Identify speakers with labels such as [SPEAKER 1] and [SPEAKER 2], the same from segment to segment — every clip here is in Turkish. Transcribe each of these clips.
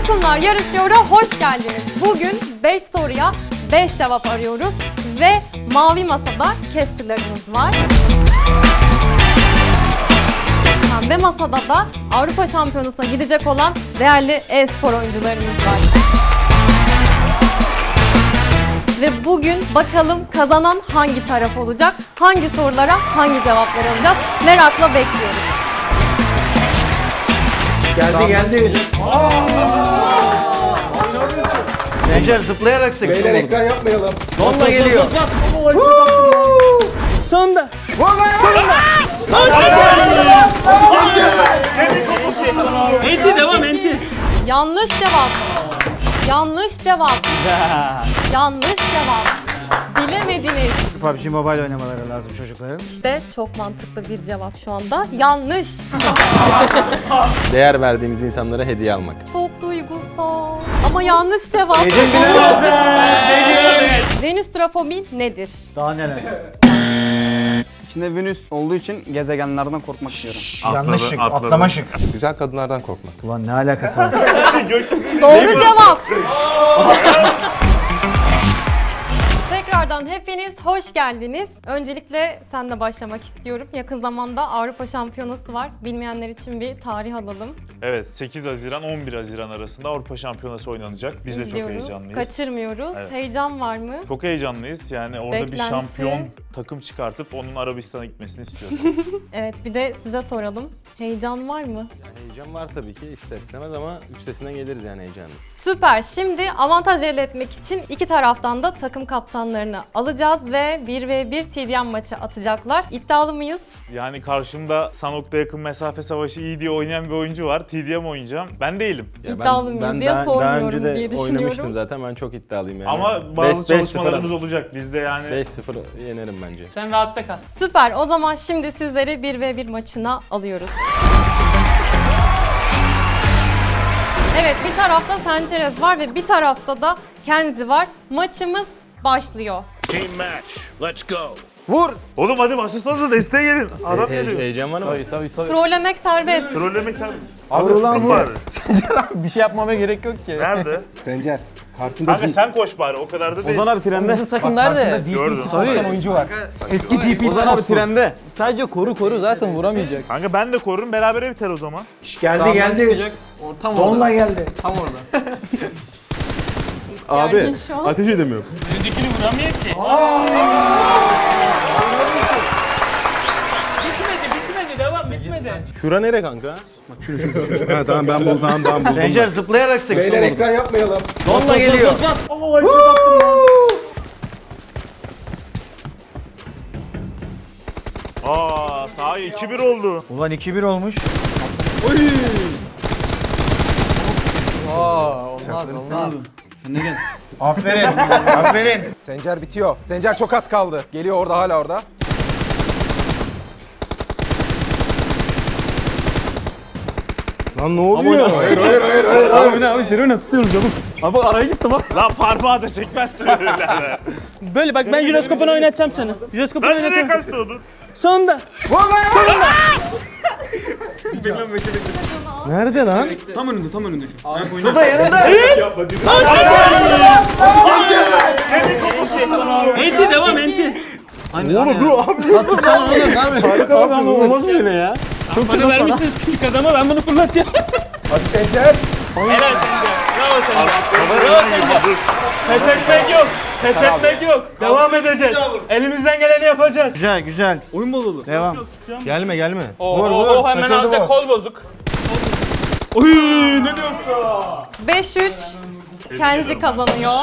[SPEAKER 1] Takımlar Yarışıyor'a hoş geldiniz. Bugün 5 soruya 5 cevap arıyoruz ve mavi masada casterlarımız var. Pembe masada da Avrupa Şampiyonası'na gidecek olan değerli e-spor oyuncularımız var. Ve bugün bakalım kazanan hangi taraf olacak, hangi sorulara hangi cevaplar alacağız merakla bekliyoruz.
[SPEAKER 2] Geldi.
[SPEAKER 3] Gençler zıplayarak sıktım.
[SPEAKER 2] Beyler ekran yapmayalım.
[SPEAKER 3] Donla geliyor.
[SPEAKER 4] Sonunda. Enti devam enti.
[SPEAKER 1] Yanlış cevap. Yanlış cevap. Yanlış cevap. Bilemediniz.
[SPEAKER 3] PUBG Mobile oynamaları lazım çocukların.
[SPEAKER 1] İşte çok mantıklı bir cevap şu anda. Yanlış.
[SPEAKER 5] Değer verdiğimiz insanlara hediye almak.
[SPEAKER 1] Çok duygusal. Ama yanlış cevap. Venüs trafobi nedir?
[SPEAKER 3] Daha neler?
[SPEAKER 4] İçinde Venüs olduğu için gezegenlerden korkmak istiyorum.
[SPEAKER 3] Yanlış şık, atlama şık.
[SPEAKER 5] Güzel kadınlardan korkmak.
[SPEAKER 3] Ulan ne alakası var?
[SPEAKER 1] Doğru cevap. Tekrardan hepiniz hoş geldiniz. Öncelikle senle başlamak istiyorum. Yakın zamanda Avrupa Şampiyonası var. Bilmeyenler için bir tarih alalım.
[SPEAKER 6] Evet, 8 Haziran 11 Haziran arasında Avrupa Şampiyonası oynanacak. Biz de çok
[SPEAKER 1] İzliyoruz,
[SPEAKER 6] heyecanlıyız.
[SPEAKER 1] kaçırmıyoruz.
[SPEAKER 6] Evet.
[SPEAKER 1] Heyecan var mı?
[SPEAKER 6] Çok heyecanlıyız. Yani orada bir
[SPEAKER 1] Beklenti.
[SPEAKER 6] şampiyon takım çıkartıp onun Arabistan'a gitmesini istiyoruz.
[SPEAKER 1] Evet, bir de size soralım. Heyecan var mı?
[SPEAKER 5] Heyecan var tabii ki ister istemez ama üstesinden geliriz yani heyecanlı.
[SPEAKER 1] Süper. Şimdi avantaj elde etmek için iki taraftan da takım kaptanlarını alacağız ve 1v1 TDM maçı atacaklar. İddialı mıyız?
[SPEAKER 6] Yani karşımda Sanok'ta yakın mesafe savaşı iyi diye oynayan bir oyuncu var. TDM oynayacağım. Ben değilim.
[SPEAKER 1] İddialı mıyız diye
[SPEAKER 5] daha
[SPEAKER 1] sormuyorum
[SPEAKER 5] önce de
[SPEAKER 1] diye düşünüyorum.
[SPEAKER 5] oynamıştım zaten, ben çok iddialıyım yani.
[SPEAKER 6] Ama bazı çalışmalarımız olacak. Biz de yani
[SPEAKER 5] 5-0 yenerim bence.
[SPEAKER 4] Sen rahatta kal.
[SPEAKER 1] Süper. O zaman şimdi sizleri 1v1 maçına alıyoruz. Evet, bir tarafta Sanchez var ve bir tarafta da Kenzi var. Maçımız başlıyor.
[SPEAKER 7] Team match. Let's go.
[SPEAKER 3] Vur!
[SPEAKER 6] oğlum hadi başlasanıza desteğe gelin. Adam geliyor.
[SPEAKER 5] Heyecan var mı?
[SPEAKER 1] Trollemek serbest.
[SPEAKER 6] Trollemek sen.
[SPEAKER 3] Abi ulan
[SPEAKER 6] Var.
[SPEAKER 4] Bir şey yapmama gerek yok ki.
[SPEAKER 6] Nerede?
[SPEAKER 2] Sencer. Karşında
[SPEAKER 6] Kanka sen koş bari, o kadar da değil.
[SPEAKER 3] Ozan abi trende.
[SPEAKER 4] Bizim takım nerede?
[SPEAKER 6] Gördüm.
[SPEAKER 2] DP oyuncu var. Eski DP
[SPEAKER 3] Ozan abi trende. Sadece koru zaten vuramayacak.
[SPEAKER 6] Kanka ben de korurum, berabere biter o zaman.
[SPEAKER 2] Geldi.
[SPEAKER 4] Tam
[SPEAKER 2] Donla
[SPEAKER 4] orada.
[SPEAKER 2] geldi.
[SPEAKER 4] Tam orada.
[SPEAKER 1] Gergin şu an.
[SPEAKER 5] Ateş edemiyorum.
[SPEAKER 4] Öndekini vuramıyor ki. Bitmedi devam bitmedi.
[SPEAKER 5] Şura nere kanka? Bak şu. Ha tamam ben buldum.
[SPEAKER 3] Gençler zıplayarak sıktım.
[SPEAKER 2] Beyler ekran yapmayalım.
[SPEAKER 3] Donla geliyor.
[SPEAKER 6] Aa, sahi 2-1 oldu.
[SPEAKER 3] Ulan 2-1 olmuş.
[SPEAKER 4] Olmaz.
[SPEAKER 2] Aferin. Sencer bitiyor. Sencer çok az kaldı. Geliyor orada, hala orada.
[SPEAKER 5] Lan ne oluyor?
[SPEAKER 3] Abi seni öne tutuyorum canım. Abi araya gitti bak.
[SPEAKER 6] Lan parmağı da çekmezsin öyle.
[SPEAKER 4] Böyle bak ben jiroskopunu oynatacağım sana. Jiroskopunu
[SPEAKER 6] Ben nereye
[SPEAKER 4] oynatacağım.
[SPEAKER 6] kaçtı onu?
[SPEAKER 4] Sonunda.
[SPEAKER 5] Nerede lan?
[SPEAKER 3] Şurada yanında.
[SPEAKER 4] Enti devam enti.
[SPEAKER 5] Oğlum dur abi.
[SPEAKER 4] Tutsana oğlum ne yapıyorsun?
[SPEAKER 3] Abi ama olmaz böyle ya.
[SPEAKER 4] Bana vermişsiniz küçük adama ben bunu fırlatacağım.
[SPEAKER 2] Hadi Sencer.
[SPEAKER 4] Helal Sencer. Bravo Sencer. Bravo Sencer. Pes etmek yok. Pes etmek yok. Devam edeceğiz. Elimizden geleni yapacağız.
[SPEAKER 3] Güzel. Oyun bozuldu. Devam.
[SPEAKER 5] Gelme.
[SPEAKER 4] Oo hemen
[SPEAKER 2] takıldı
[SPEAKER 4] alacak
[SPEAKER 2] bu.
[SPEAKER 4] kol bozuk.
[SPEAKER 1] 5-3 Kenzi kazanıyor.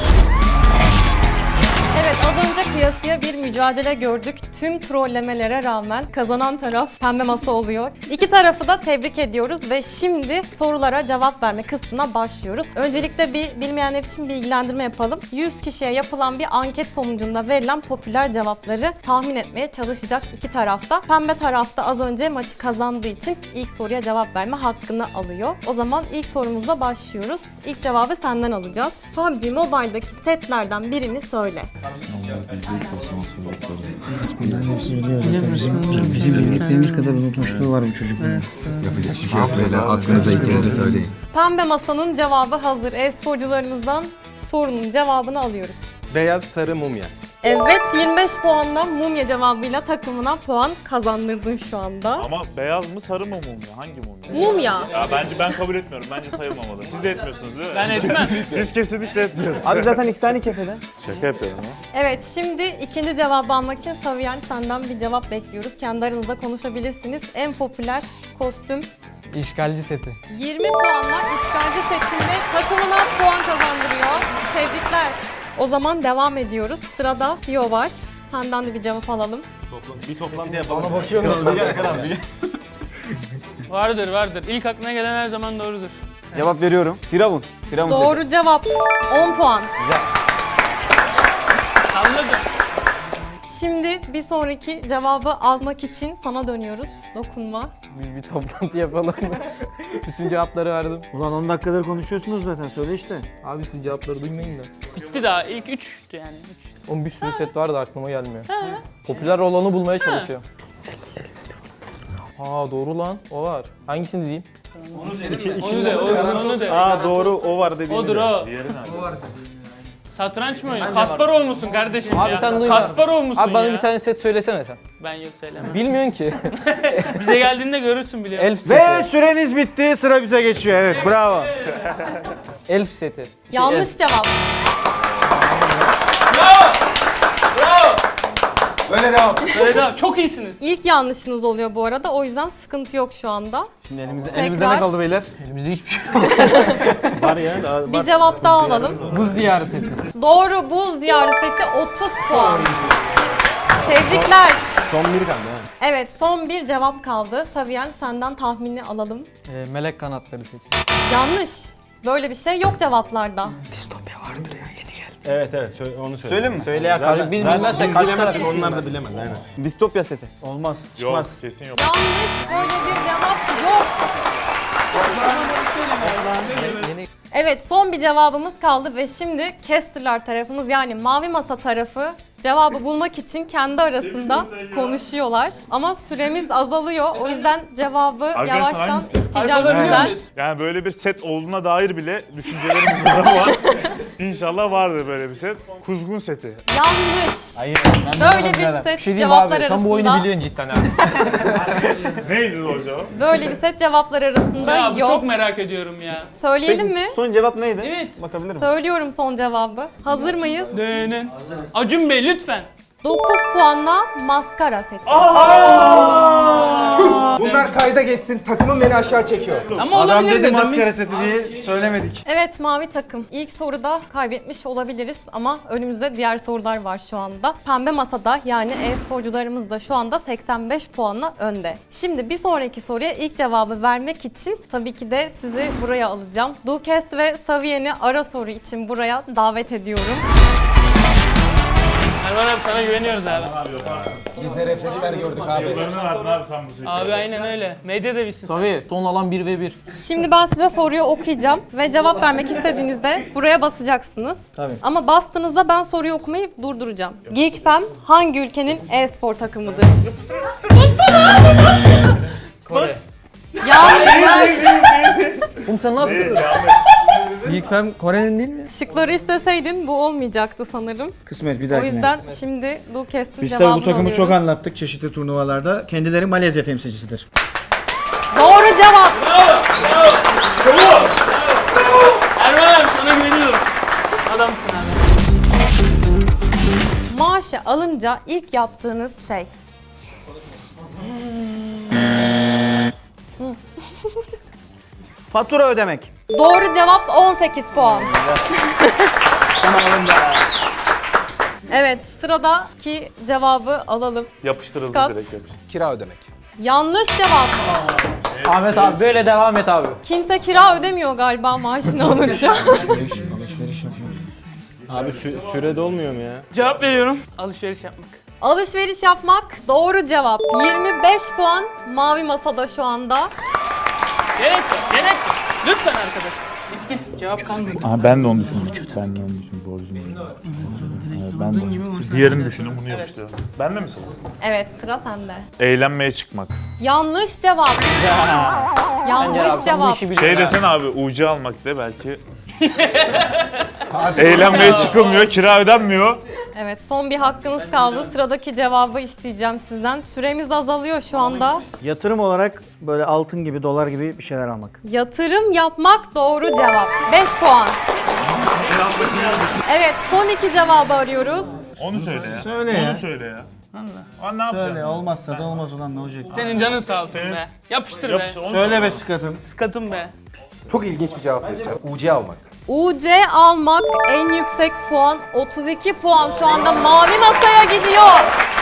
[SPEAKER 1] Evet, az önce kıyasıya bir mücadele gördük. Tüm trollemelere rağmen kazanan taraf pembe masa oluyor. İki tarafı da tebrik ediyoruz ve şimdi sorulara cevap verme kısmına başlıyoruz. Öncelikle bilmeyenler için bilgilendirme yapalım. 100 kişiye yapılan bir anket sonucunda verilen popüler cevapları tahmin etmeye çalışacak iki tarafta. Pembe tarafta az önce maçı kazandığı için ilk soruya cevap verme hakkını alıyor. O zaman ilk sorumuzla başlıyoruz. İlk cevabı senden alacağız. PUBG Mobile'daki setlerden birini söyle.
[SPEAKER 3] Bizim bildiklerimiz kadar unutmuşluğu var bu çocukların.
[SPEAKER 8] Yapacak hiçbir şey yok beyler. Aklınıza ilk kere de söyleyin.
[SPEAKER 1] Pembe masanın cevabı hazır. E-sporcularımızdan sorunun cevabını alıyoruz.
[SPEAKER 5] Beyaz sarı mumya.
[SPEAKER 1] Evet, 25 puanla mumya cevabıyla takımına puan kazandırdın şu anda.
[SPEAKER 6] Ama beyaz mı sarı mı mumya? Hangi mumya?
[SPEAKER 1] Mumya.
[SPEAKER 6] Ya bence ben kabul etmiyorum. Bence sayılmamalı. Siz de etmiyorsunuz değil mi?
[SPEAKER 4] Ben etmem.
[SPEAKER 6] Biz kesinlikle etmiyoruz.
[SPEAKER 3] Abi zaten ikisi aynı kefede.
[SPEAKER 6] Şaka yapıyorum ha.
[SPEAKER 1] Evet, şimdi ikinci cevabı almak için Saviyen senden bir cevap bekliyoruz. Kendi aranızda konuşabilirsiniz. En popüler kostüm
[SPEAKER 3] İşgalci seti.
[SPEAKER 1] 20 puanla işgalci seçimde takımına puan kazandırıyor. Tebrikler. O zaman devam ediyoruz. Sırada Tio var. Senden de bir cevap alalım.
[SPEAKER 5] Bir toplantı yapalım.
[SPEAKER 4] Vardır. İlk aklına gelen her zaman doğrudur.
[SPEAKER 3] Cevap veriyorum. Firavun. Firavun seti.
[SPEAKER 1] Doğru cevap. 10 puan.
[SPEAKER 4] Anladım.
[SPEAKER 1] Şimdi bir sonraki cevabı almak için sana dönüyoruz. Dokunma.
[SPEAKER 3] Biz bir toplantı yapalım. Bütün cevapları verdim. Ulan 10 dakikadır konuşuyorsunuz zaten. Söyle işte. Abi siz cevapları duymayın da.
[SPEAKER 4] Bitti daha. İlk 3'tü yani. 3.
[SPEAKER 3] Onun bir sürü set var da aklıma gelmiyor. Popüler olanı bulmaya çalışıyor. Aa doğru lan. O var. Hangisini diyeyim?
[SPEAKER 4] Onu de.
[SPEAKER 5] Aa doğru o var dediğin.
[SPEAKER 4] Odur o.
[SPEAKER 6] Diğeri nerede?
[SPEAKER 4] Satranç mı oynuyor? Kasparov musun kardeşim
[SPEAKER 3] Abi
[SPEAKER 4] ya?
[SPEAKER 3] sen duyma.
[SPEAKER 4] Kasparov musun
[SPEAKER 3] Abi bana
[SPEAKER 4] ya?
[SPEAKER 3] bir tane set söylesene sen.
[SPEAKER 4] Ben yok söylemem.
[SPEAKER 3] Bilmiyorsun ki.
[SPEAKER 4] Bize geldiğinde görürsün biliyorum.
[SPEAKER 3] Elf seti.
[SPEAKER 9] Ve süreniz bitti. Sıra bize geçiyor. Evet, bravo.
[SPEAKER 3] Elf seti.
[SPEAKER 1] Yanlış cevap.
[SPEAKER 2] Böyle devam.
[SPEAKER 4] Böyle devam. Çok iyisiniz.
[SPEAKER 1] İlk yanlışınız oluyor bu arada. O yüzden sıkıntı yok şu anda.
[SPEAKER 3] Şimdi elimizde
[SPEAKER 1] Tekrar.
[SPEAKER 3] ne kaldı beyler? Elimizde hiçbir şey yok.
[SPEAKER 5] Var ya. Daha,
[SPEAKER 1] Bir cevap daha alalım.
[SPEAKER 3] Buz diyarı seti.
[SPEAKER 1] Doğru, buz diyarı seti 30 puan. Tebrikler.
[SPEAKER 5] son biri kaldı ha.
[SPEAKER 1] Evet, son bir cevap kaldı. Saviyen senden tahmini alalım.
[SPEAKER 3] Melek kanatları seti.
[SPEAKER 1] Yanlış. Böyle bir şey yok cevaplarda.
[SPEAKER 5] Evet onu söyle.
[SPEAKER 3] Söyleyeyim mi? Söyle ya kardeşim. Biz bilmezsek
[SPEAKER 5] Biz
[SPEAKER 3] kaç
[SPEAKER 5] bilemezsek
[SPEAKER 3] tane-
[SPEAKER 5] onlar da bilemez aynen.
[SPEAKER 3] Distopya seti. Olmaz.
[SPEAKER 6] Yok, kesin yok.
[SPEAKER 1] Yanlış, böyle bir cevap yok. Evet, son bir cevabımız kaldı ve şimdi Caster'lar tarafımız yani Mavi Masa tarafı cevabı bulmak için kendi arasında konuşuyorlar. Ama süremiz azalıyor. O yüzden cevabı
[SPEAKER 6] Arkadaşlar,
[SPEAKER 1] yavaştan
[SPEAKER 6] hangisi?
[SPEAKER 1] isteyeceğim
[SPEAKER 4] Alabiliyor
[SPEAKER 1] sizden.
[SPEAKER 4] muyuz?
[SPEAKER 6] Yani böyle bir set olduğuna dair bile düşüncelerimiz var ama inşallah vardır böyle bir set. Kuzgun seti.
[SPEAKER 1] Yanlış.
[SPEAKER 3] Hayır.
[SPEAKER 1] Böyle bir set
[SPEAKER 3] Bir şey diyeyim
[SPEAKER 1] cevaplar
[SPEAKER 3] abi. Sen bu oyunu
[SPEAKER 1] arasında
[SPEAKER 3] biliyorsun cidden ha.
[SPEAKER 6] Neydi o cevap?
[SPEAKER 1] böyle bir set cevaplar arasında
[SPEAKER 4] Ya bu
[SPEAKER 1] yok.
[SPEAKER 4] çok merak ediyorum ya.
[SPEAKER 1] Söyleyelim mi?
[SPEAKER 3] Son cevap neydi?
[SPEAKER 4] Evet.
[SPEAKER 3] Bakabilir miyim?
[SPEAKER 1] Söylüyorum son cevabı. Hazır mıyız?
[SPEAKER 4] Acun Bey lütfen.
[SPEAKER 1] 9 puanla maskara seti.
[SPEAKER 2] Bunlar kayda geçsin. Takımım beni aşağı çekiyor.
[SPEAKER 4] Ama
[SPEAKER 9] Adam
[SPEAKER 4] olabilir
[SPEAKER 9] dedi
[SPEAKER 4] dedim.
[SPEAKER 9] maskara seti diye söylemedik.
[SPEAKER 1] Evet mavi takım. İlk soruda kaybetmiş olabiliriz ama önümüzde diğer sorular var şu anda. Pembe masada yani e-sporcularımız da şu anda 85 puanla önde. Şimdi bir sonraki soruya ilk cevabı vermek için tabii ki de sizi buraya alacağım. Ducast ve Saviyen'i ara soru için buraya davet ediyorum.
[SPEAKER 4] Erman abi sana güveniyoruz abi.
[SPEAKER 2] Biz ne refleksler gördük abi.
[SPEAKER 6] Yıllarını verdin abi sen bu seti.
[SPEAKER 4] Abi aynen öyle. Medya da bilsin sen.
[SPEAKER 3] Tabii. Son alan 1v1.
[SPEAKER 1] Şimdi ben size soruyu okuyacağım ve cevap vermek istediğinizde buraya basacaksınız.
[SPEAKER 9] Tabii.
[SPEAKER 1] Ama bastığınızda ben soruyu okumayı durduracağım. GeekFam hangi ülkenin e-spor takımıdır?
[SPEAKER 3] Kore.
[SPEAKER 1] Yanlış.
[SPEAKER 3] Oğlum sen ne yaptın? Geekfam Kore'nin değil mi?
[SPEAKER 1] Şıkları isteseydin bu olmayacaktı sanırım.
[SPEAKER 9] Kısmet bir
[SPEAKER 1] O
[SPEAKER 9] dahakine.
[SPEAKER 1] yüzden şimdi Ducast'in
[SPEAKER 9] Biz
[SPEAKER 1] cevabını
[SPEAKER 9] tabii bu takımı
[SPEAKER 1] alıyoruz.
[SPEAKER 9] çok anlattık çeşitli turnuvalarda. Kendileri Malezya temsilcisidir.
[SPEAKER 1] Doğru cevap.
[SPEAKER 4] Erman abi sana güveniyorum. Adamsın abi.
[SPEAKER 1] Maaşı alınca ilk yaptığınız şey.
[SPEAKER 9] Fatura ödemek.
[SPEAKER 1] Doğru cevap 18 puan. Evet sıradaki cevabı alalım.
[SPEAKER 6] Yapıştır hızlı
[SPEAKER 1] Scott.
[SPEAKER 6] direkt yapıştır.
[SPEAKER 2] Kira ödemek.
[SPEAKER 1] Yanlış cevap.
[SPEAKER 3] Ahmet abi böyle devam et abi.
[SPEAKER 1] Kimse kira ödemiyor galiba maaşını alınca.
[SPEAKER 5] Abi sürede olmuyor mu ya?
[SPEAKER 4] Cevap veriyorum. Alışveriş yapmak.
[SPEAKER 1] Alışveriş yapmak doğru cevap. 25 puan mavi masada şu anda.
[SPEAKER 4] Gerek yok. Lütfen arkadaş. Cevap kalmadı.
[SPEAKER 6] Aha, ben de onu düşündüm. Ben de onu düşündüm. Borcum. Evet, ben de onu düşündüm. Diğerini düşündüm, bunu yapıştırdım. Ben de mi sıra?
[SPEAKER 1] Evet, sıra sende.
[SPEAKER 6] Eğlenmeye çıkmak.
[SPEAKER 1] Yanlış cevap. Yanlış cevap.
[SPEAKER 6] Şey desene abi, UC almak de belki. Eğlenmeye çıkılmıyor, kira ödenmiyor.
[SPEAKER 1] Evet, son bir hakkınız kaldı. Sıradaki cevabı isteyeceğim sizden. Süremiz azalıyor şu anda.
[SPEAKER 9] Yatırım olarak böyle altın gibi, dolar gibi bir şeyler almak.
[SPEAKER 1] Yatırım yapmak doğru cevap. 5 puan. Evet, son iki cevabı arıyoruz.
[SPEAKER 6] Onu söyle ya.
[SPEAKER 9] Söyle
[SPEAKER 6] Onu
[SPEAKER 9] ya.
[SPEAKER 6] söyle ya. Aa, ne yapacaksın?
[SPEAKER 9] Söyle, olmazsa da olmaz ulan, ne olacak?
[SPEAKER 4] Senin canın sağ olsun be. Yapıştır be.
[SPEAKER 6] Yapış, onu
[SPEAKER 9] Söyle be sıkatım.
[SPEAKER 4] Sıkatım be.
[SPEAKER 2] Çok ilginç bir cevap vereceğim. UC almak.
[SPEAKER 1] UC almak en yüksek puan. 32 puan şu anda mavi masaya gidiyor.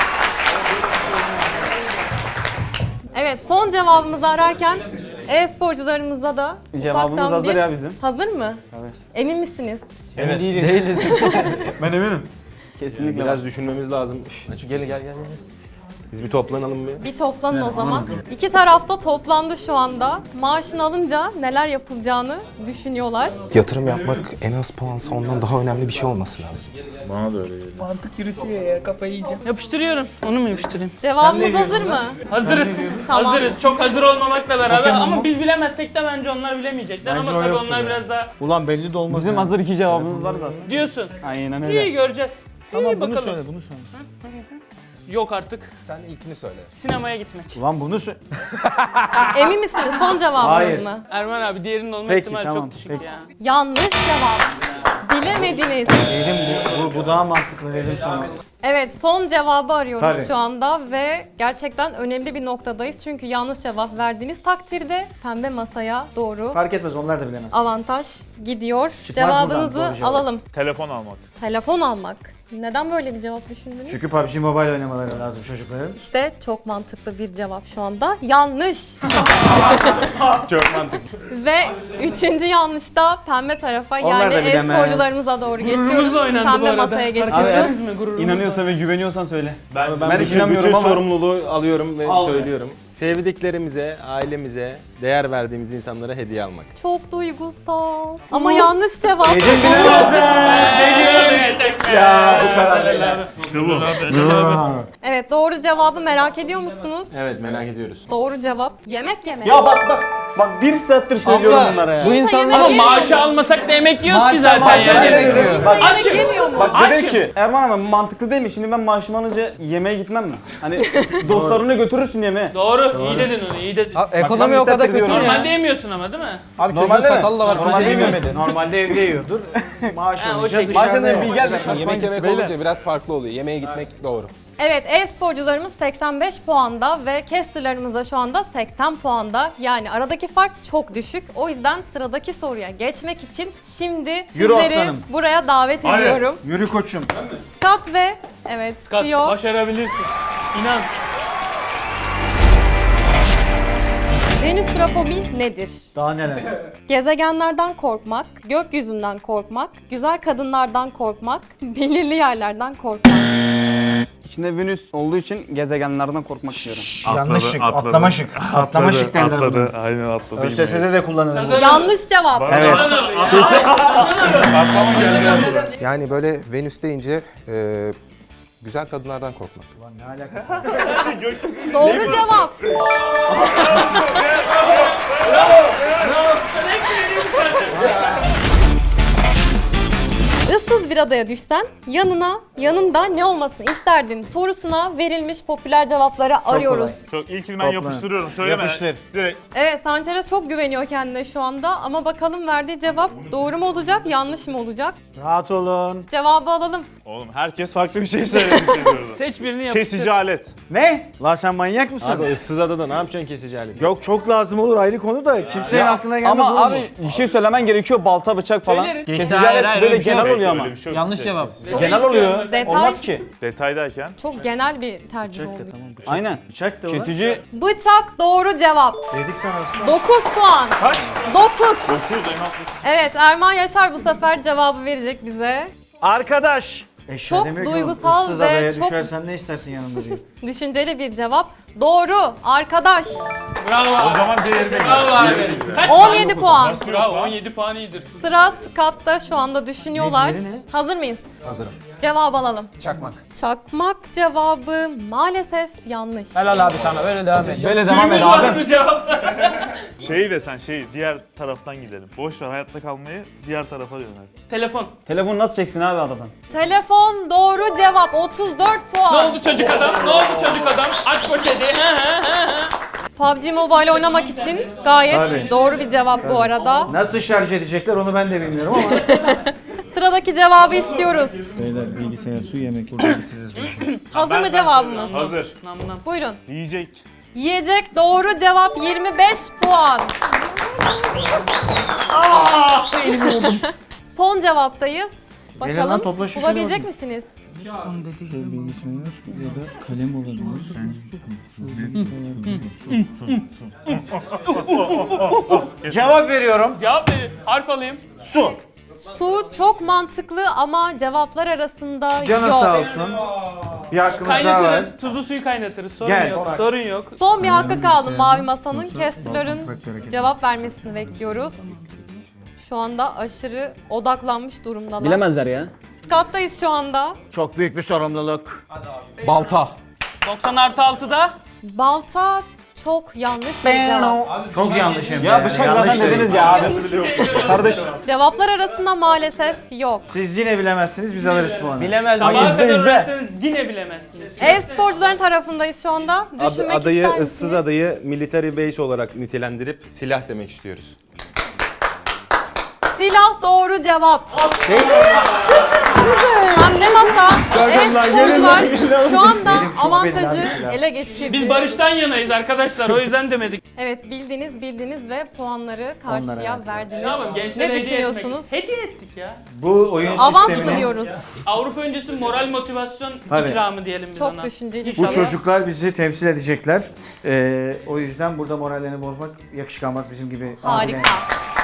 [SPEAKER 1] Evet, son cevabımızı ararken e-sporcularımızda da
[SPEAKER 3] Cevabımız
[SPEAKER 1] ufaktan
[SPEAKER 3] hazır
[SPEAKER 1] bir...
[SPEAKER 3] ya bizim.
[SPEAKER 1] Hazır mı? Evet. Emin misiniz?
[SPEAKER 3] Evet. Değiliz.
[SPEAKER 9] Ben eminim.
[SPEAKER 3] Kesinlikle.
[SPEAKER 5] Biraz düşünmemiz lazım. Gel. Biz bir toplanalım bir.
[SPEAKER 1] Bir toplanın o zaman. İki tarafta toplandı şu anda. Maaşını alınca neler yapılacağını düşünüyorlar.
[SPEAKER 2] Yatırım yapmak en az puansa ondan daha önemli bir şey olması lazım.
[SPEAKER 6] Bana da öyle geliyor.
[SPEAKER 4] Mantık yürütüyor ya, kafayı yiyeceğim. Yapıştırıyorum. Onu mu yapıştırayım?
[SPEAKER 1] Cevabımız hazır mı?
[SPEAKER 4] Hazırız.
[SPEAKER 1] Tamam.
[SPEAKER 4] Hazırız. Çok hazır olmamakla beraber ama biz bilemezsek de bence onlar bilemeyecekler
[SPEAKER 9] Bence
[SPEAKER 4] ama
[SPEAKER 9] o
[SPEAKER 4] tabii
[SPEAKER 9] yoktur
[SPEAKER 4] onlar
[SPEAKER 9] ya.
[SPEAKER 4] biraz daha
[SPEAKER 9] Ulan belli de olmaz.
[SPEAKER 3] Bizim
[SPEAKER 9] ya.
[SPEAKER 3] hazır 2 cevabımız var zaten.
[SPEAKER 4] diyorsun.
[SPEAKER 3] Aynen
[SPEAKER 4] İyi
[SPEAKER 3] öyle.
[SPEAKER 4] göreceğiz.
[SPEAKER 9] Tamam,
[SPEAKER 4] İyi
[SPEAKER 9] bunu
[SPEAKER 4] bakalım.
[SPEAKER 9] söyle, bunu söyle.
[SPEAKER 4] Yok artık.
[SPEAKER 2] Sen ilkini söyle.
[SPEAKER 4] Sinemaya gitmek.
[SPEAKER 9] Ulan bunu söyle.
[SPEAKER 1] Emin misiniz? Son cevabınız
[SPEAKER 9] Hayır.
[SPEAKER 1] mı?
[SPEAKER 4] Erman abi diğerinin olma
[SPEAKER 9] Peki,
[SPEAKER 4] ihtimali
[SPEAKER 9] tamam,
[SPEAKER 4] çok düşük
[SPEAKER 9] peki.
[SPEAKER 4] ya.
[SPEAKER 1] Yanlış cevap. Bilemediniz.
[SPEAKER 9] Dedim bu daha mantıklı dedim sana.
[SPEAKER 1] Evet, son cevabı arıyoruz
[SPEAKER 9] Tabii.
[SPEAKER 1] şu anda ve gerçekten önemli bir noktadayız. Çünkü yanlış cevap verdiğiniz takdirde pembe masaya doğru
[SPEAKER 9] Fark etmez, onlar da bilemez.
[SPEAKER 1] avantaj gidiyor.
[SPEAKER 9] buradan
[SPEAKER 1] Cevabınızı
[SPEAKER 9] doğru cevap.
[SPEAKER 1] alalım.
[SPEAKER 6] Telefon almak.
[SPEAKER 1] Telefon almak. Neden böyle bir cevap düşündünüz?
[SPEAKER 9] Çünkü PUBG Mobile oynamaları lazım çocukların.
[SPEAKER 1] İşte çok mantıklı bir cevap şu anda. Yanlış.
[SPEAKER 6] Çok mantıklı.
[SPEAKER 1] Ve üçüncü yanlışta pembe tarafa
[SPEAKER 9] Onlar
[SPEAKER 1] yani
[SPEAKER 9] da bilemez.
[SPEAKER 1] e-sporcularımıza doğru geçiyoruz.
[SPEAKER 4] Gururumuzla oynandı bu
[SPEAKER 1] Pembe
[SPEAKER 4] arada.
[SPEAKER 1] masaya
[SPEAKER 4] Fark
[SPEAKER 1] geçiyoruz.
[SPEAKER 4] ettiniz mi gururumuzla?
[SPEAKER 3] İnanıyorsan ve güveniyorsan söyle.
[SPEAKER 6] Ben
[SPEAKER 3] Ben hiç
[SPEAKER 5] Bütün
[SPEAKER 3] inanmıyorum ama.
[SPEAKER 5] sorumluluğu alıyorum ve
[SPEAKER 3] Al be.
[SPEAKER 5] söylüyorum. Sevdiklerimize, ailemize, değer verdiğimiz insanlara hediye almak.
[SPEAKER 1] Çok duygusal. Ama yanlış cevap.
[SPEAKER 9] Ya bu kadar.
[SPEAKER 6] İşte bu.
[SPEAKER 1] Evet, doğru cevabı merak ediyor musunuz?
[SPEAKER 5] Evet, merak ediyoruz.
[SPEAKER 1] Doğru cevap yemek yemek.
[SPEAKER 3] Ya bak 1 saattir söylüyorum bunlara ya.
[SPEAKER 9] Bu insanlar
[SPEAKER 4] Ama maaşı almasak da yemek yiyoruz ki zaten
[SPEAKER 3] maaştan
[SPEAKER 4] yani.
[SPEAKER 3] yemek yiyoruz.
[SPEAKER 1] Kimse
[SPEAKER 3] Bak,
[SPEAKER 1] yemek
[SPEAKER 4] açım.
[SPEAKER 1] yemiyor mu?
[SPEAKER 3] Bak dedim
[SPEAKER 4] Açım.
[SPEAKER 3] ki Erman abi mantıklı değil mi? Şimdi ben maaşımı alınca yemeğe gitmem mi? Hani dostlarını götürürsün yemeğe.
[SPEAKER 4] Doğru, iyi dedin onu, iyi dedin.
[SPEAKER 3] Ekonomi o kadar kötü mü
[SPEAKER 4] Normalde yemiyorsun ama değil mi?
[SPEAKER 3] Abi normalde sakalı da var.
[SPEAKER 9] Normalde
[SPEAKER 3] Normalde
[SPEAKER 9] yemedi. Normalde evde yiyordur. Maaş
[SPEAKER 4] Ha, o
[SPEAKER 9] alınca
[SPEAKER 4] şekilde.
[SPEAKER 9] dışarıda
[SPEAKER 3] Maaştan
[SPEAKER 9] yiyor.
[SPEAKER 3] bir gel de
[SPEAKER 2] Yemek yemek olunca biraz farklı oluyor. Yemeğe gitmek doğru.
[SPEAKER 1] Evet, e-sporcularımız 85 puanda ve casterlarımız da şu anda 80 puanda. Yani aradaki fark çok düşük. O yüzden sıradaki soruya geçmek için şimdi
[SPEAKER 9] Yürü
[SPEAKER 1] sizleri
[SPEAKER 9] aslanım.
[SPEAKER 1] buraya davet
[SPEAKER 6] Hayır.
[SPEAKER 1] ediyorum.
[SPEAKER 9] Yürü koçum.
[SPEAKER 1] Scott ve evet,
[SPEAKER 4] Kat,
[SPEAKER 1] CEO.
[SPEAKER 4] başarabilirsin. İnan.
[SPEAKER 1] Venüstrofobi nedir?
[SPEAKER 9] Daha neler?
[SPEAKER 1] Gezegenlerden korkmak, gökyüzünden korkmak, güzel kadınlardan korkmak, belirli yerlerden korkmak.
[SPEAKER 3] İçinde Venüs olduğu için gezegenlerden korkmak istiyorum.
[SPEAKER 9] Yanlış şık.
[SPEAKER 6] atladı.
[SPEAKER 9] Atlama şık. Atlama şık derler bunu.
[SPEAKER 6] Atladı. Aynen atladı.
[SPEAKER 9] ÖSS'de de kullanılır.
[SPEAKER 1] Yanlış cevap.
[SPEAKER 3] Evet.
[SPEAKER 2] Yani böyle Venüs deyince güzel kadınlardan korkmak.
[SPEAKER 9] Ne alakası?
[SPEAKER 1] Doğru cevap. Issız bir adaya düşsen yanında ne olmasını isterdin sorusuna verilmiş popüler cevapları arıyoruz.
[SPEAKER 6] Çok ilkini ben yapıştırıyorum. Söyleme.
[SPEAKER 9] Yapıştır.
[SPEAKER 6] Direkt.
[SPEAKER 1] Evet, Sanchez çok güveniyor kendine şu anda ama bakalım verdiği cevap doğru mu olacak, yanlış mı olacak?
[SPEAKER 9] Rahat olun.
[SPEAKER 1] Cevabı alalım.
[SPEAKER 6] Oğlum herkes farklı bir şey söyledi şimdi orada.
[SPEAKER 4] Seç birini yapıştır.
[SPEAKER 6] Kesici alet.
[SPEAKER 9] Ne? Lan sen manyak mısın?
[SPEAKER 5] Abi ıssız adada ne yapacaksın kesici aleti?
[SPEAKER 9] Yok çok lazım olur, ayrı konu da kimsenin aklına gelmez
[SPEAKER 3] Ama
[SPEAKER 9] oğlum
[SPEAKER 3] abi bir şey söylemen gerekiyor. Balta, bıçak falan.
[SPEAKER 4] Söyleriz.
[SPEAKER 3] Kesici
[SPEAKER 4] Hayır,
[SPEAKER 3] alet
[SPEAKER 4] hayır,
[SPEAKER 3] böyle
[SPEAKER 4] öyle bir şey
[SPEAKER 3] genel
[SPEAKER 4] yok.
[SPEAKER 3] oluyor ama.
[SPEAKER 6] Öyle bir şey yok.
[SPEAKER 4] Yanlış cevap.
[SPEAKER 6] Kesici.
[SPEAKER 3] Genel oluyor.
[SPEAKER 1] Detay.
[SPEAKER 3] Olmaz ki.
[SPEAKER 6] Detay derken.
[SPEAKER 1] Çok genel bir tercih oldu.
[SPEAKER 3] Aynen.
[SPEAKER 9] Bıçak da ulan.
[SPEAKER 3] Kesici
[SPEAKER 1] Bıçak doğru cevap.
[SPEAKER 9] Dedik sana aslında.
[SPEAKER 1] 9 puan.
[SPEAKER 6] Kaç?
[SPEAKER 1] 9.
[SPEAKER 6] 9 Eymen.
[SPEAKER 1] Evet, Erman Yaşar bu sefer cevabı verecek bize.
[SPEAKER 9] Arkadaş. Eşya
[SPEAKER 1] Çok
[SPEAKER 9] demiyor ki
[SPEAKER 1] duygusal
[SPEAKER 9] oğlum, ıssız
[SPEAKER 1] ve
[SPEAKER 9] adaya
[SPEAKER 1] çok-
[SPEAKER 9] düşersen ne istersin yanımda diyor.
[SPEAKER 1] Düşünceli bir cevap. doğru. Arkadaş.
[SPEAKER 4] Bravo.
[SPEAKER 6] O zaman değerine
[SPEAKER 4] Bravo abi. Kaç
[SPEAKER 1] 17 puan.
[SPEAKER 4] Bravo 17 puan iyidir.
[SPEAKER 1] Sıra Scott'ta şu anda düşünüyorlar. Hazır mıyız?
[SPEAKER 2] Hazırım.
[SPEAKER 1] Cevap alalım.
[SPEAKER 2] Çakmak.
[SPEAKER 1] Çakmak cevabı maalesef yanlış.
[SPEAKER 3] Helal abi sana böyle devam et.
[SPEAKER 2] Böyle devam et
[SPEAKER 4] Düğümüz var
[SPEAKER 2] abi.
[SPEAKER 4] mı cevap?
[SPEAKER 6] Şeyi de sen diğer taraftan gidelim. Boş ver hayatta kalmayı diğer tarafa yönel.
[SPEAKER 4] Telefon.
[SPEAKER 9] Telefonu nasıl çeksin abi adadan?
[SPEAKER 1] Telefon doğru cevap 34 puan.
[SPEAKER 4] Ne oldu çocuk adam? Ne oldu çocuk adam? Aç poşeti.
[SPEAKER 1] PUBG Mobile oynamak için gayet
[SPEAKER 9] Tabii.
[SPEAKER 1] doğru bir cevap bu arada.
[SPEAKER 9] Nasıl şarj edecekler onu ben de bilmiyorum ama.
[SPEAKER 1] Sıradaki cevabı istiyoruz.
[SPEAKER 9] Beyler bilgisayar, su, yemek.
[SPEAKER 1] Hazır mı cevabımız?
[SPEAKER 6] Hazır.
[SPEAKER 4] Nam nam.
[SPEAKER 1] Buyurun.
[SPEAKER 6] Yiyecek.
[SPEAKER 1] Yiyecek doğru cevap 25 puan. Son cevaptayız.
[SPEAKER 9] Gelin
[SPEAKER 1] Bakalım
[SPEAKER 9] lan, topla şu
[SPEAKER 1] bulabilecek
[SPEAKER 9] şunu.
[SPEAKER 1] misiniz?
[SPEAKER 9] Bilgisayar ya da kalem olabilir. Cevap veriyorum.
[SPEAKER 4] Cevap verin. Harf alayım.
[SPEAKER 9] Su.
[SPEAKER 1] Su çok mantıklı ama cevaplar arasında
[SPEAKER 9] Canı
[SPEAKER 1] yok.
[SPEAKER 9] sağ olsun. Bir hakkımız daha var.
[SPEAKER 4] Kaynatırız. Tuzlu suyu kaynatırız. Sorun
[SPEAKER 9] Gel.
[SPEAKER 4] yok. Sorun yok.
[SPEAKER 1] Son bir hakkı kaldı Mavi Masa'nın. Kessler'ın cevap vermesini bekliyoruz. Şu anda aşırı odaklanmış durumdalar.
[SPEAKER 3] Bilemezler ya.
[SPEAKER 1] Scott'tayız şu anda.
[SPEAKER 9] Çok büyük bir sorumluluk.
[SPEAKER 2] Balta.
[SPEAKER 4] 90+6'da.
[SPEAKER 1] Balta çok yanlış bir cevap.
[SPEAKER 9] Çok yanlış hem de.
[SPEAKER 2] Ya bıçak zaten dediniz ya abi. Kardeş.
[SPEAKER 1] Cevaplar arasında maalesef yok.
[SPEAKER 9] Siz yine bilemezsiniz, biz alırız puanı.
[SPEAKER 3] Bilemez
[SPEAKER 4] Sabaha
[SPEAKER 3] miyiz?
[SPEAKER 4] kadar uğraşsanız yine bilemezsiniz.
[SPEAKER 1] E-sporcuların tarafındayız şu anda. Düşünmek
[SPEAKER 5] Adayı,
[SPEAKER 1] ister
[SPEAKER 5] ıssız
[SPEAKER 1] misiniz?
[SPEAKER 5] adayı military base olarak nitelendirip silah demek istiyoruz.
[SPEAKER 1] Silah doğru cevap. Anne Masa, e-sporcular şu anda avantajı ele geçirdi.
[SPEAKER 4] Biz barıştan yanayız arkadaşlar. O yüzden demedik.
[SPEAKER 1] Evet bildiniz ve puanları karşıya verdiniz.
[SPEAKER 4] Tamam gençlere
[SPEAKER 1] Ne
[SPEAKER 4] hediye
[SPEAKER 1] düşünüyorsunuz?
[SPEAKER 4] etmek. Hediye ettik ya.
[SPEAKER 9] Bu oyun
[SPEAKER 1] Avans
[SPEAKER 9] sistemini
[SPEAKER 1] diyoruz.
[SPEAKER 4] Avrupa öncesi moral motivasyon
[SPEAKER 9] Tabii.
[SPEAKER 4] ikramı diyelim biz
[SPEAKER 1] Çok
[SPEAKER 4] ona.
[SPEAKER 1] düşünceli.
[SPEAKER 9] bu çocuklar bizi temsil edecekler. O yüzden burada morallerini bozmak yakışık bizim gibi.
[SPEAKER 1] Harika.
[SPEAKER 9] abiler.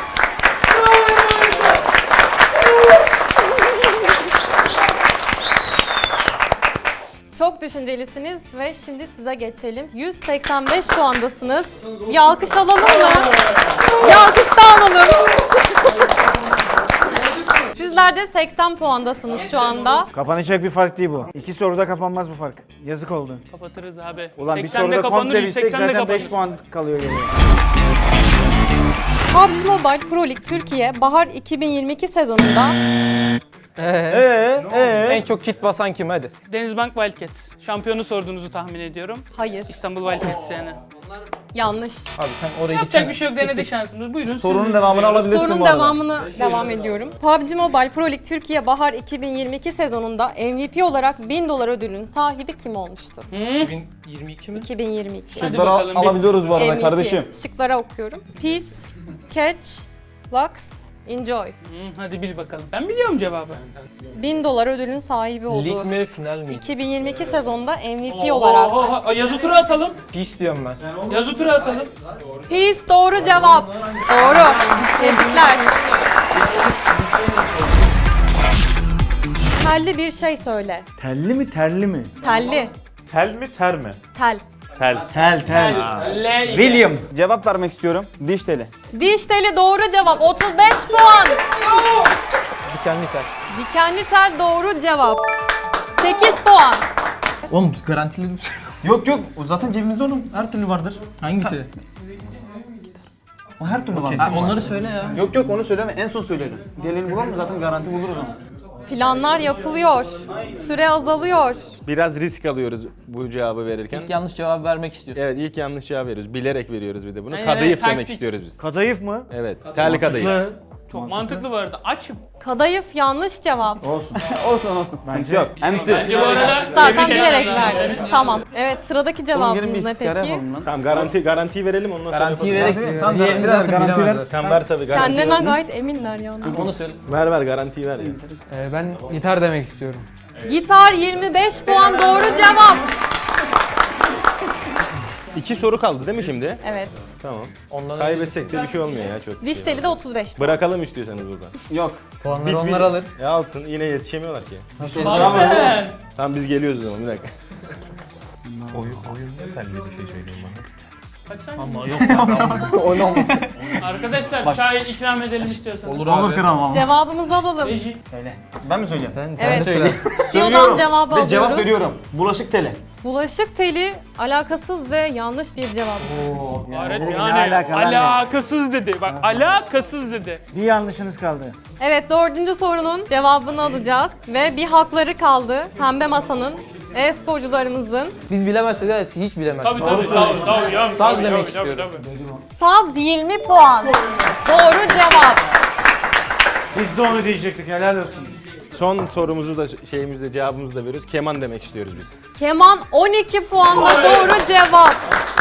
[SPEAKER 1] Çok düşüncelisiniz ve şimdi size geçelim. 185 puandasınız. Bir alkış alalım mı? Bir alkış daha alalım. Sizler de 80 puandasınız şu anda.
[SPEAKER 9] Kapanacak bir fark değil bu. 2 soruda kapanmaz bu fark. Yazık oldu.
[SPEAKER 4] Kapatırız abi.
[SPEAKER 9] Ulan bir
[SPEAKER 4] 80'de
[SPEAKER 9] soruda
[SPEAKER 4] kapanır,
[SPEAKER 9] komple bilsek
[SPEAKER 4] 180'de
[SPEAKER 9] zaten
[SPEAKER 4] kapanır.
[SPEAKER 9] 5 puan kalıyor geriye.
[SPEAKER 1] PUBG Mobile Pro League Türkiye Bahar 2022 sezonunda
[SPEAKER 3] En çok kit basan kim hadi.
[SPEAKER 4] Denizbank Wildcats. Şampiyonu sorduğunuzu tahmin ediyorum.
[SPEAKER 1] hayır,
[SPEAKER 4] İstanbul Wildcats yani.
[SPEAKER 1] yanlış.
[SPEAKER 3] Abi sen oraya
[SPEAKER 4] Yapacak bir şey yok, denedik şansımız. Buyurun.
[SPEAKER 2] Sorunun
[SPEAKER 4] siz
[SPEAKER 2] devamını
[SPEAKER 4] dinliyoruz.
[SPEAKER 2] alabilirsin
[SPEAKER 1] Sorunun
[SPEAKER 2] bu arada.
[SPEAKER 1] devamını devam ediyorum. PUBG Mobile Pro League Türkiye Bahar 2022 sezonunda MVP olarak 1000 dolar ödülün sahibi kim olmuştu?
[SPEAKER 3] 2022 mi?
[SPEAKER 1] 2022.
[SPEAKER 4] Hadi
[SPEAKER 2] Şıkları
[SPEAKER 4] bakalım, biz-
[SPEAKER 2] alabiliyoruz bu arada
[SPEAKER 1] MVP.
[SPEAKER 2] kardeşim.
[SPEAKER 1] Şıklara okuyorum. Peace, Catch, Lux, Enjoy.
[SPEAKER 4] Hadi bil bakalım. Ben biliyorum cevabı.
[SPEAKER 1] 1000 dolar ödülün sahibi
[SPEAKER 3] Lig
[SPEAKER 1] oldu.
[SPEAKER 3] mi final mi?
[SPEAKER 1] 2022 sezonda MVP olarak.
[SPEAKER 4] Yazı tura atalım.
[SPEAKER 3] Pis diyorum ben.
[SPEAKER 4] Yazı tura atalım.
[SPEAKER 1] Peace doğru cevap. Doğru. Tebrikler. Telli bir şey söyle.
[SPEAKER 9] Telli mi terli mi?
[SPEAKER 1] Telli.
[SPEAKER 6] Tel mi ter mi?
[SPEAKER 1] Tel.
[SPEAKER 6] Tel.
[SPEAKER 9] Tel.
[SPEAKER 4] L.
[SPEAKER 9] William.
[SPEAKER 2] Cevap vermek istiyorum. Diş teli.
[SPEAKER 1] Diş teli doğru cevap. 35 puan.
[SPEAKER 3] Dikenli sen.
[SPEAKER 1] Dikenli tel doğru cevap. 8 puan.
[SPEAKER 2] Oğlum garantili Yok yok o zaten cebimizde oğlum. Her türlü vardır.
[SPEAKER 3] Hangisi?
[SPEAKER 2] O her türlü var.
[SPEAKER 3] Onları söyle ya.
[SPEAKER 2] Yok yok onu söyleme en son söylerim. Diğerlerini bulalım mı zaten garanti buluruz onu.
[SPEAKER 1] Planlar yapılıyor. Süre azalıyor.
[SPEAKER 5] Biraz risk alıyoruz bu cevabı verirken.
[SPEAKER 3] İlk yanlış cevap vermek istiyorsun.
[SPEAKER 5] Evet ilk yanlış cevap veriyoruz. Bilerek veriyoruz bir de bunu.
[SPEAKER 4] Aynen,
[SPEAKER 5] Kadayıf
[SPEAKER 4] evet,
[SPEAKER 5] demek
[SPEAKER 4] taktik.
[SPEAKER 5] istiyoruz biz.
[SPEAKER 9] Kadayıf mı?
[SPEAKER 5] Evet. Tel kadayıf.
[SPEAKER 4] Çok mantıklı bu arada. Açım.
[SPEAKER 1] Kadayıf yanlış cevap.
[SPEAKER 2] Olsun olsun. Sıkıntı yok. Enti.
[SPEAKER 4] Bence bu arada
[SPEAKER 1] Zaten
[SPEAKER 4] tebrik
[SPEAKER 1] bilerek
[SPEAKER 4] ederim.
[SPEAKER 1] verdiniz. Tamam. Evet sıradaki
[SPEAKER 2] Gelin bir
[SPEAKER 1] cevabımız ne
[SPEAKER 2] istişare
[SPEAKER 1] peki?
[SPEAKER 2] yapalım lan.
[SPEAKER 5] Tamam garantiyi verelim ondan sonra.
[SPEAKER 3] Garantiyi
[SPEAKER 5] yapalım.
[SPEAKER 3] vererek
[SPEAKER 2] Tamam,
[SPEAKER 3] diğerini
[SPEAKER 2] bir
[SPEAKER 3] zaten
[SPEAKER 2] garanti ver.
[SPEAKER 3] bilemezler.
[SPEAKER 5] Tamam ver tabii garantiyi.
[SPEAKER 1] Kendilerinden gayet eminler yani.
[SPEAKER 3] Onu söyle.
[SPEAKER 5] Ver garantiyi ver ya.
[SPEAKER 3] Ben gitar demek istiyorum.
[SPEAKER 1] Gitar 25 puan doğru cevap.
[SPEAKER 5] 2 soru kaldı değil mi şimdi?
[SPEAKER 1] Evet.
[SPEAKER 5] Tamam.
[SPEAKER 3] Ondan
[SPEAKER 5] Kaybetsek de bir şey olmuyor ya çok.
[SPEAKER 1] Diş teli de 35.
[SPEAKER 5] Bırakalım istiyorsanız burada.
[SPEAKER 2] Yok.
[SPEAKER 3] puanları onlar alır.
[SPEAKER 5] Alsın yine yetişemiyorlar ki.
[SPEAKER 4] Bak sen.
[SPEAKER 5] Tamam biz geliyoruz o zaman bir dakika. Oyun yeterli bir şey söyleyeyim bana.
[SPEAKER 4] Kaç saniye?
[SPEAKER 3] O ne oldu?
[SPEAKER 4] Arkadaşlar çay ikram edelim istiyorsanız.
[SPEAKER 2] Olur kral valla.
[SPEAKER 1] Cevabımızı alalım.
[SPEAKER 4] Reji.
[SPEAKER 2] Ben mi söyleyeyim?
[SPEAKER 1] Evet.
[SPEAKER 3] söyle.
[SPEAKER 1] CEO'dan cevabı
[SPEAKER 2] Ve
[SPEAKER 1] alıyoruz.
[SPEAKER 2] cevap veriyorum. Bulaşık teli.
[SPEAKER 1] Bulaşık teli alakasız ve yanlış bir cevap.
[SPEAKER 4] Evet,
[SPEAKER 9] Ne
[SPEAKER 4] yani
[SPEAKER 9] alaka lan
[SPEAKER 4] alakasız dedi. Bak alakasız dedi.
[SPEAKER 9] Bir yanlışınız kaldı.
[SPEAKER 1] Evet, dördüncü sorunun cevabını alacağız ve bir hakları kaldı Pembe Masa'nın, e-sporcularımızın.
[SPEAKER 3] Biz bilemezsek evet hiç bilemez.
[SPEAKER 4] Tabii tabii.
[SPEAKER 3] Saz demek istiyorum.
[SPEAKER 1] Saz 20 puan. Doğru cevap.
[SPEAKER 9] Biz de onu diyecektik, helal olsun.
[SPEAKER 5] Son sorumuzu da şeyimizde cevabımızı da veriyoruz. Keman demek istiyoruz biz.
[SPEAKER 1] Keman 12 puanla doğru cevap.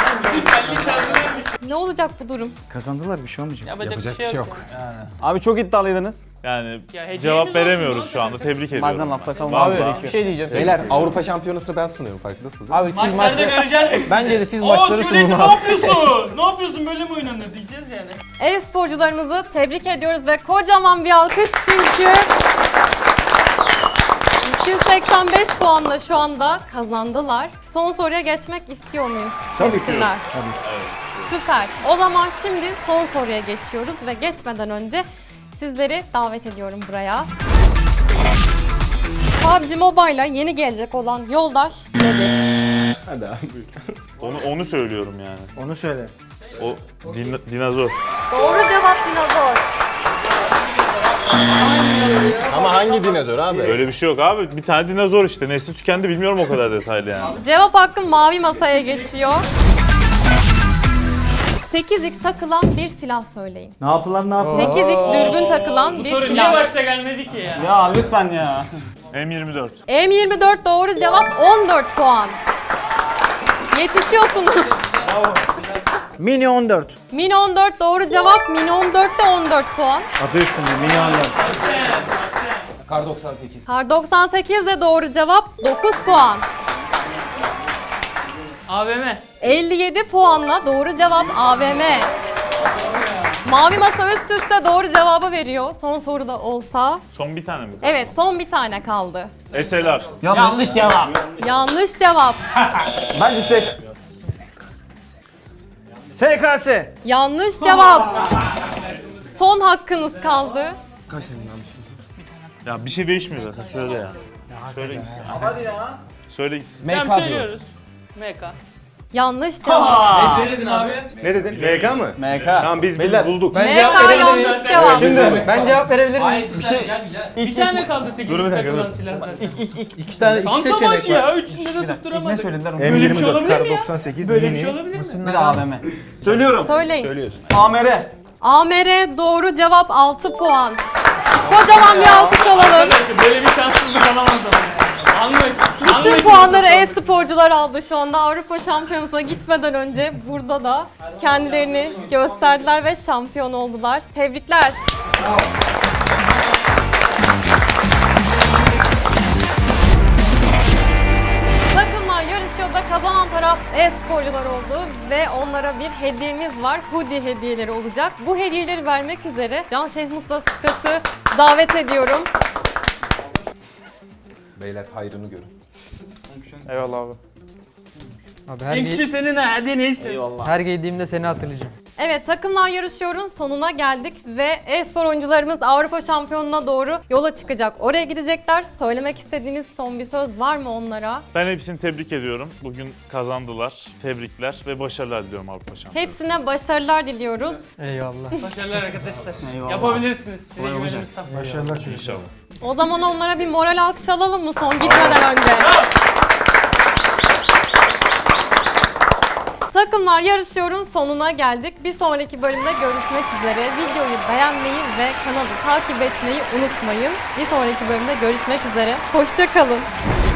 [SPEAKER 1] Ne olacak bu durum?
[SPEAKER 9] Kazandılar, bir şey olmayacak.
[SPEAKER 4] Yapacak bir şey yok.
[SPEAKER 2] Abi çok iddialıydınız.
[SPEAKER 6] Yani
[SPEAKER 4] Ya hediyemiz
[SPEAKER 6] cevap
[SPEAKER 4] olsun
[SPEAKER 6] veremiyoruz
[SPEAKER 4] lan
[SPEAKER 6] şu anda. Tebrik ediyorum.
[SPEAKER 2] Bazen lafta kalmak
[SPEAKER 4] Vallahi.
[SPEAKER 2] gerekiyor.
[SPEAKER 3] Bir şey diyeceğim.
[SPEAKER 8] Beyler Avrupa Şampiyonası'nı ben sunuyorum farkındasınız.
[SPEAKER 3] Abi siz
[SPEAKER 4] Maçlarda
[SPEAKER 3] maçları...
[SPEAKER 4] göreceğiz.
[SPEAKER 3] Bence de siz
[SPEAKER 4] Oo
[SPEAKER 3] maçları
[SPEAKER 4] Sürekli
[SPEAKER 3] sunun
[SPEAKER 4] ne
[SPEAKER 3] abi.
[SPEAKER 4] yapıyorsun? Ne yapıyorsun böyle mi oynanır diyeceğiz yani.
[SPEAKER 1] E-sporcularımızı tebrik ediyoruz ve kocaman bir alkış çünkü 285 puanla şu anda kazandılar. Son soruya geçmek istiyor muyuz?
[SPEAKER 9] Tabii ki.
[SPEAKER 1] Üstünler. Süper. O zaman şimdi son soruya geçiyoruz ve geçmeden önce sizleri davet ediyorum buraya. PUBG Mobile'a yeni gelecek olan yoldaş nedir?
[SPEAKER 5] Hadi abi buyur.
[SPEAKER 6] Onu söylüyorum yani.
[SPEAKER 9] Onu söyle.
[SPEAKER 6] O dinozor.
[SPEAKER 1] Doğru cevap dinozor.
[SPEAKER 5] Ama hangi dinozor abi?
[SPEAKER 6] Öyle bir şey yok abi. Bir tane dinozor işte. Nesli tükendi bilmiyorum o kadar detaylı yani.
[SPEAKER 1] Cevap hakkım mavi masaya geçiyor. 8x takılan bir silah söyleyin.
[SPEAKER 9] Ne yapılan ne yapılan?
[SPEAKER 1] 8x dürbün takılan
[SPEAKER 4] Bu
[SPEAKER 1] bir
[SPEAKER 4] soru niye
[SPEAKER 1] silah.
[SPEAKER 4] başta gelmedi ki ya?
[SPEAKER 2] Ya lütfen ya.
[SPEAKER 6] M24.
[SPEAKER 1] M24 doğru cevap 14 puan. Yetişiyorsunuz.
[SPEAKER 9] Mini 14.
[SPEAKER 1] Mini 14 doğru cevap. Mini 14'te 14 puan.
[SPEAKER 9] Adı üstünde Mini 14.
[SPEAKER 8] Kar 98.
[SPEAKER 1] Kar 98 de doğru cevap. 9 puan.
[SPEAKER 4] AVM.
[SPEAKER 1] 57 puanla doğru cevap AVM. Mavi masa üst üste doğru cevabı veriyor. Son soru da olsa.
[SPEAKER 6] Son bir tane mi?
[SPEAKER 1] Evet, son bir tane kaldı.
[SPEAKER 6] SLR.
[SPEAKER 3] Yanlış cevap.
[SPEAKER 1] Yanlış cevap.
[SPEAKER 2] Bence
[SPEAKER 9] SKS.
[SPEAKER 1] Yanlış cevap. Son hakkınız kaldı.
[SPEAKER 8] Kaç senin yanlışın?
[SPEAKER 6] Ya bir şey değişmiyor zaten. Söyle ya. Söyle gitsin.
[SPEAKER 2] Hadi ya.
[SPEAKER 6] Söyle gitsin.
[SPEAKER 4] Tamam
[SPEAKER 8] MK diyor.
[SPEAKER 4] söylüyoruz. MK.
[SPEAKER 1] Yanlış cevap.
[SPEAKER 4] Ne dedin abi?
[SPEAKER 5] Ne dedin? MK mı?
[SPEAKER 2] MK.
[SPEAKER 5] Tamam biz bulduk.
[SPEAKER 3] Ben cevap
[SPEAKER 1] MK
[SPEAKER 3] verebilir miyim?
[SPEAKER 1] yanlış cevap.
[SPEAKER 2] Şimdi
[SPEAKER 3] Ben cevap verebilir miyim?
[SPEAKER 4] Hayır bir şey. Bir tane kaldı 8
[SPEAKER 5] Dur bir dakika,
[SPEAKER 4] takılan
[SPEAKER 5] dur.
[SPEAKER 4] silah zaten.
[SPEAKER 3] İki tane iki
[SPEAKER 4] Kanka bak
[SPEAKER 3] seçenek var.
[SPEAKER 4] ya üçünde de
[SPEAKER 2] ne
[SPEAKER 4] tutturamadık.
[SPEAKER 2] söylediler onu?
[SPEAKER 4] Böyle bir şey
[SPEAKER 5] M24
[SPEAKER 4] olabilir
[SPEAKER 5] Kar
[SPEAKER 4] mi ya?
[SPEAKER 5] 98
[SPEAKER 4] Böyle bir
[SPEAKER 5] mini.
[SPEAKER 4] şey olabilir mi?
[SPEAKER 2] Bir de AVM. Söylüyorum.
[SPEAKER 1] Söyleyin.
[SPEAKER 5] Söylüyorsun.
[SPEAKER 2] AMR.
[SPEAKER 1] AMR doğru cevap 6 puan. Kocaman bir alkış alalım.
[SPEAKER 4] Arkadaşlar böyle bir şanssızlık olamaz ama. Anlık.
[SPEAKER 1] Bütün puanları e-sporcular aldı şu anda. Avrupa Şampiyonası'na gitmeden önce burada da kendilerini gösterdiler ve şampiyon oldular. Tebrikler. Takımlar yarışıyor da kazanan taraf e-sporcular oldu ve onlara bir hediyemiz var. Hoodie hediyeleri olacak. Bu hediyeleri vermek üzere Can Şehmus'la Sıkat'ı davet ediyorum.
[SPEAKER 8] Beyler hayrını görün.
[SPEAKER 3] Eyvallah abi. Abi her,
[SPEAKER 4] En küçüğü senin ha hadi neyse.
[SPEAKER 3] her giydiğimde seni hatırlayacağım.
[SPEAKER 1] Evet, takımlar yarışıyorun sonuna geldik ve e-spor oyuncularımız Avrupa Şampiyonu'na doğru yola çıkacak. Oraya gidecekler. Söylemek istediğiniz son bir söz var mı onlara?
[SPEAKER 6] Ben hepsini tebrik ediyorum. Bugün kazandılar. Tebrikler ve başarılar diliyorum Avrupa Şampiyonu.
[SPEAKER 1] Hepsine başarılar diliyoruz.
[SPEAKER 3] Eyvallah.
[SPEAKER 4] Başarılar arkadaşlar.
[SPEAKER 2] Eyvallah.
[SPEAKER 4] Yapabilirsiniz. Size güvenimiz tam.
[SPEAKER 9] Başarılar çocuklar.
[SPEAKER 6] İnşallah.
[SPEAKER 1] O zaman onlara bir moral alkış alalım mı son gitmeden önce? Takımlar yarışıyorun sonuna geldik. Bir sonraki bölümde görüşmek üzere. Videoyu beğenmeyi ve kanalı takip etmeyi unutmayın. Bir sonraki bölümde görüşmek üzere. Hoşça kalın.